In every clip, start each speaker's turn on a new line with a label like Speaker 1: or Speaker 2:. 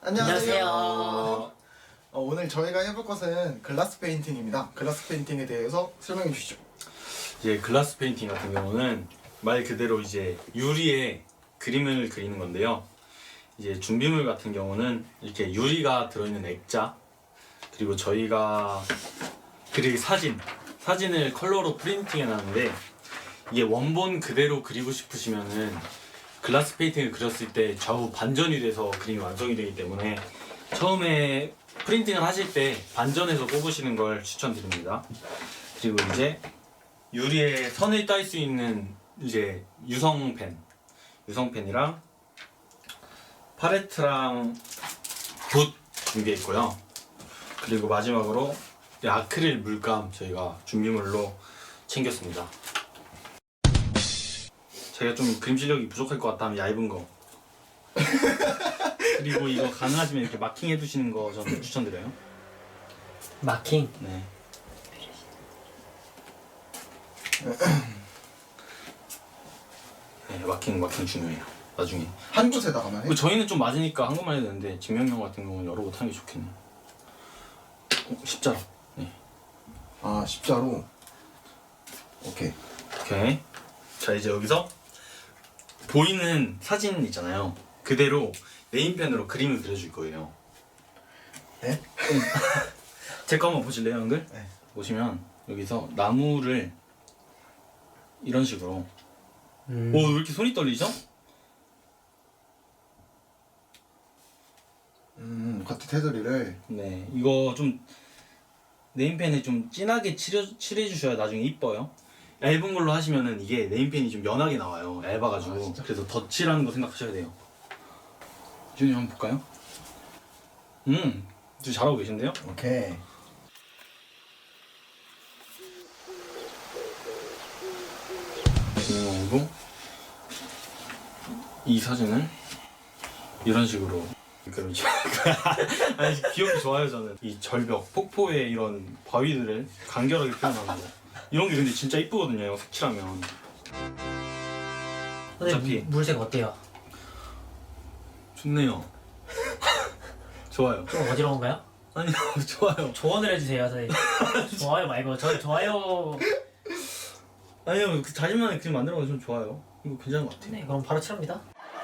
Speaker 1: 안녕하세요.
Speaker 2: 오늘 저희가 해볼 것은 글라스 페인팅입니다. 글라스 페인팅에 대해서 설명해 주시죠.
Speaker 1: 이제 글라스 페인팅 같은 경우는 말 그대로 이제 유리에 그림을 그리는 건데요. 이제 준비물 같은 경우는 이렇게 유리가 들어있는 액자, 그리고 저희가 그릴 사진을 컬러로 프린팅해 놨는데, 이게 원본 그대로 그리고 싶으시면은 글라스 페인팅을 그렸을 때 좌우 반전이 돼서 그림이 완성이 되기 때문에 처음에 프린팅을 하실 때 반전해서 뽑으시는 걸 추천드립니다. 그리고 이제 유리에 선을 딸 수 있는 이제 유성펜이랑 팔레트랑 붓 준비했고요. 그리고 마지막으로 아크릴 물감 저희가 준비물로 챙겼습니다. 제가 좀 그림 실력이 부족할 것 같다면 얇은 거 그리고 이거 가능하시면 이렇게 마킹 해두시는 거 저는 추천드려요.
Speaker 3: 마킹?
Speaker 1: 네. 네, 마킹 중요해요. 나중에
Speaker 2: 한 곳에다가만 해?
Speaker 1: 저희는 좀 맞으니까 한국만 해도 되는데 진명형 같은 경우는 여러 곳 하는 게 좋겠네요. 십자로. 네.
Speaker 2: 아, 십자로. 오케이.
Speaker 1: 오케이. 자, 이제 여기서 보이는 사진 있잖아요. 그대로 네임펜으로 그림을 그려줄 거예요.
Speaker 2: 네?
Speaker 1: 제 거 한번 보실래요, 형들?
Speaker 2: 네.
Speaker 1: 보시면 여기서 나무를 이런 식으로. 오, 왜 이렇게 손이 떨리죠?
Speaker 2: 커트 테두리를.
Speaker 1: 네, 이거 좀 네임펜에 좀 진하게 칠해주셔야 나중에 이뻐요. 얇은 걸로 하시면은 이게 네임펜이 좀 연하게 나와요. 얇아가지고. 그래서 덧칠하는 거 생각하셔야 돼요. 준이 한번 볼까요? 좀 잘하고 계신데요?
Speaker 2: 오케이.
Speaker 1: 그리고 이 사진을 이런 식으로 그러죠. 아니, 귀엽고 좋아요. 저는 이 절벽, 폭포의 이런 바위들을 간결하게 표현하는 거, 이런 게 근데 진짜 이쁘거든요. 이거 색칠하면. 어차피
Speaker 3: 물색 어때요?
Speaker 1: 좋네요. 좋아요.
Speaker 3: 좀 어지러운가요?
Speaker 1: 아니요, 좋아요.
Speaker 3: 조언을 해주세요. 선생님. 좋아요 말고 좋아요.
Speaker 1: 아니요, 그 자신만의 그림 만들어서 좀 좋아요. 이거 괜찮은 것 같아요.
Speaker 3: 네, 그럼 바로 칠합니다.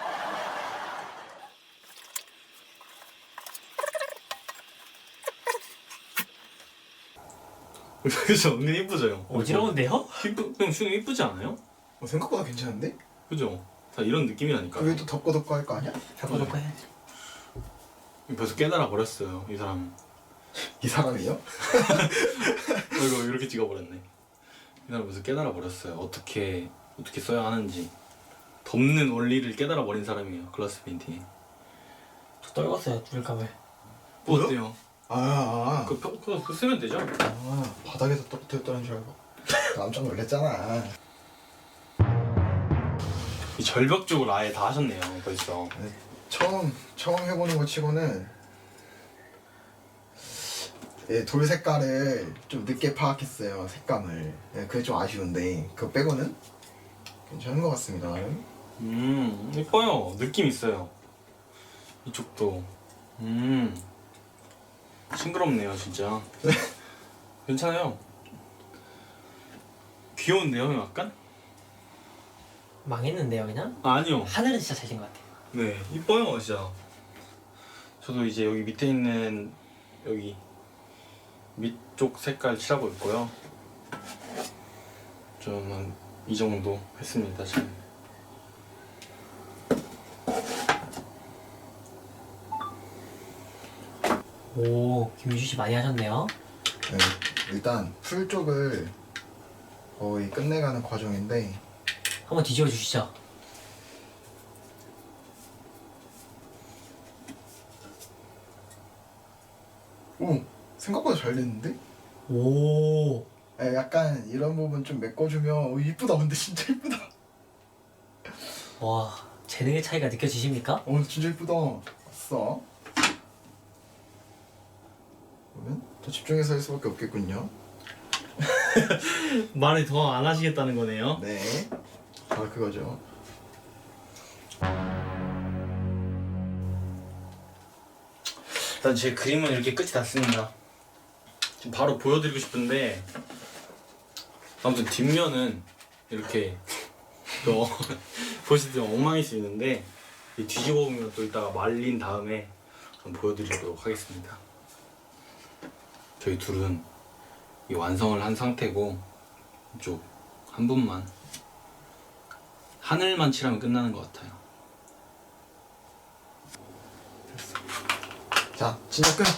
Speaker 1: 그죠? 은근 이쁘죠, 형?
Speaker 3: 어지러운데요?
Speaker 1: 형, 수능 이쁘지 않아요?
Speaker 2: 생각보다 괜찮은데?
Speaker 1: 그죠? 다 이런 느낌이라니까.
Speaker 2: 그게 또 덮고 할 거 아니야?
Speaker 3: 덮어놓고 해.
Speaker 1: 벌써 깨달아 버렸어요, 이 사람.
Speaker 2: 이 사람이요?
Speaker 1: 이거 이렇게 찍어버렸네. 이 사람 벌써 깨달아 버렸어요. 어떻게 써야 하는지. 덮는 원리를 깨달아 버린 사람이에요, 글라스 페인팅이.
Speaker 3: 저 떨궜어요, 물감을.
Speaker 1: 뭐
Speaker 2: 뭐요?
Speaker 1: 어때요? 그거 쓰면 되죠?
Speaker 2: 바닥에서 떨어뜨렸다는 줄 알고 깜짝 놀랐잖아.
Speaker 1: 이 절벽 쪽을 아예 다 하셨네요, 벌써.
Speaker 2: 처음 해보는 거 치고는 돌 색깔을 좀 늦게 파악했어요. 색감을. 그게 좀 아쉬운데 그거 빼고는 괜찮은 것 같습니다. 나름.
Speaker 1: 이뻐요. 느낌 있어요. 이쪽도. 싱그럽네요, 진짜. 괜찮아요. 귀여운데요, 약간?
Speaker 3: 망했는데요, 그냥?
Speaker 1: 아니요.
Speaker 3: 하늘은 진짜 잘생긴 것 같아요.
Speaker 1: 네, 이뻐요, 진짜. 저도 이제 여기 밑에 있는 여기 밑쪽 색깔 칠하고 있고요. 좀 이 정도 했습니다, 지금.
Speaker 3: 오, 김유주 씨 많이 하셨네요.
Speaker 2: 네, 일단 풀 쪽을 거의 끝내가는 과정인데
Speaker 3: 한번 뒤집어 주시죠.
Speaker 2: 오! 생각보다 잘 됐는데?
Speaker 3: 오,
Speaker 2: 약간 이런 부분 좀 메꿔주면 이쁘다. 근데 진짜 이쁘다.
Speaker 3: 와, 재능의 차이가 느껴지십니까?
Speaker 2: 진짜 이쁘다. 왔어. 그러면 더 집중해서 할 수밖에 없겠군요.
Speaker 1: 말을 더 안 하시겠다는 거네요.
Speaker 2: 네, 바로 그거죠.
Speaker 1: 일단 제 그림은 이렇게 끝이 났습니다. 지금 바로 보여드리고 싶은데 아무튼 뒷면은 이렇게 또 보시면 엉망일 수 있는데 이 뒤집어 보면 또 이따가 말린 다음에 한번 보여드리도록 하겠습니다. 저희 둘은 이 완성을 한 상태고 이쪽 한 분만 하늘만 칠하면 끝나는 것 같아요.
Speaker 2: 자, 진짜 끝.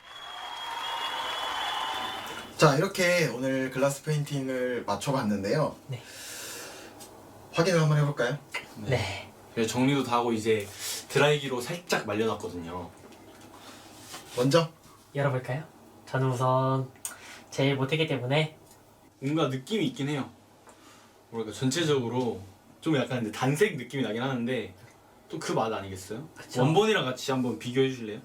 Speaker 2: 자, 이렇게 오늘 글라스 페인팅을 맞춰봤는데요.
Speaker 3: 네.
Speaker 2: 확인을 한번 해볼까요?
Speaker 3: 네.
Speaker 1: 그래서 정리도 다 하고 이제 드라이기로 살짝 말려놨거든요.
Speaker 2: 먼저
Speaker 3: 열어볼까요? 저는 우선 제일 못했기 때문에
Speaker 1: 뭔가 느낌이 있긴 해요. 뭐랄까 전체적으로 좀 약간 근데 단색 느낌이 나긴 하는데 또 그 맛 아니겠어요?
Speaker 3: 그쵸.
Speaker 1: 원본이랑 같이 한번 비교해 주실래요?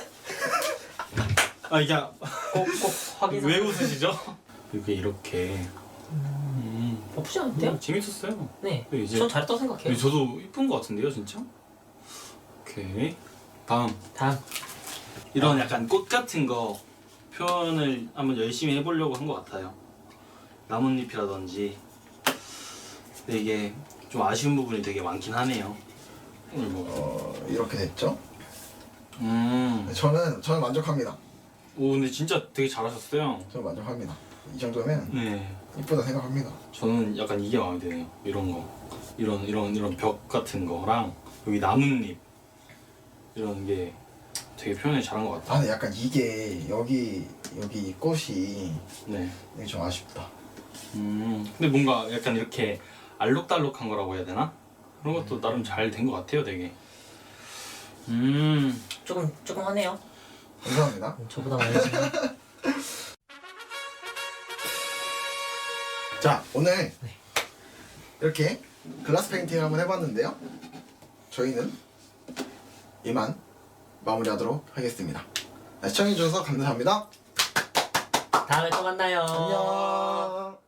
Speaker 1: 아 이게
Speaker 3: 꼭 확인.
Speaker 1: 왜 웃으시죠? 이렇게
Speaker 3: 나쁘지 않은데요?
Speaker 1: 재밌었어요.
Speaker 3: 네.
Speaker 1: 네, 이제
Speaker 3: 전 잘했다고 생각해요.
Speaker 1: 저도 이쁜 것 같은데요, 진짜? 오케이. 다음
Speaker 3: 다음.
Speaker 1: 이런 약간 꽃 같은 거 표현을 한번 열심히 해보려고 한 것 같아요. 나뭇잎이라든지. 근데 이게 좀 아쉬운 부분이 되게 많긴 하네요.
Speaker 2: 이렇게 됐죠?
Speaker 1: 음.
Speaker 2: 저는 만족합니다.
Speaker 1: 오 근데 진짜 되게 잘하셨어요.
Speaker 2: 저는 만족합니다. 이 정도면
Speaker 1: 네.
Speaker 2: 이쁘다 생각합니다.
Speaker 1: 저는 약간 이게 마음에 드네요. 이런 거, 이런 벽 같은 거랑 여기 나뭇잎 이런 게 되게 표현을 잘한 것 같아요.
Speaker 2: 아, 근데 약간 이게 여기 꽃이
Speaker 1: 네.
Speaker 2: 이게 좀 아쉽다.
Speaker 1: 근데 뭔가 약간 이렇게 알록달록한 거라고 해야 되나? 그런 것도 나름 잘 된 것 같아요, 되게.
Speaker 3: 조금 하네요.
Speaker 2: 감사합니다.
Speaker 3: 저보다 많이 했지만.
Speaker 2: 자, 오늘
Speaker 3: 네.
Speaker 2: 이렇게 글라스 페인팅을 한번 해봤는데요. 저희는 이만 마무리하도록 하겠습니다. 시청해주셔서 감사합니다.
Speaker 3: 다음에 또 만나요.
Speaker 2: 안녕.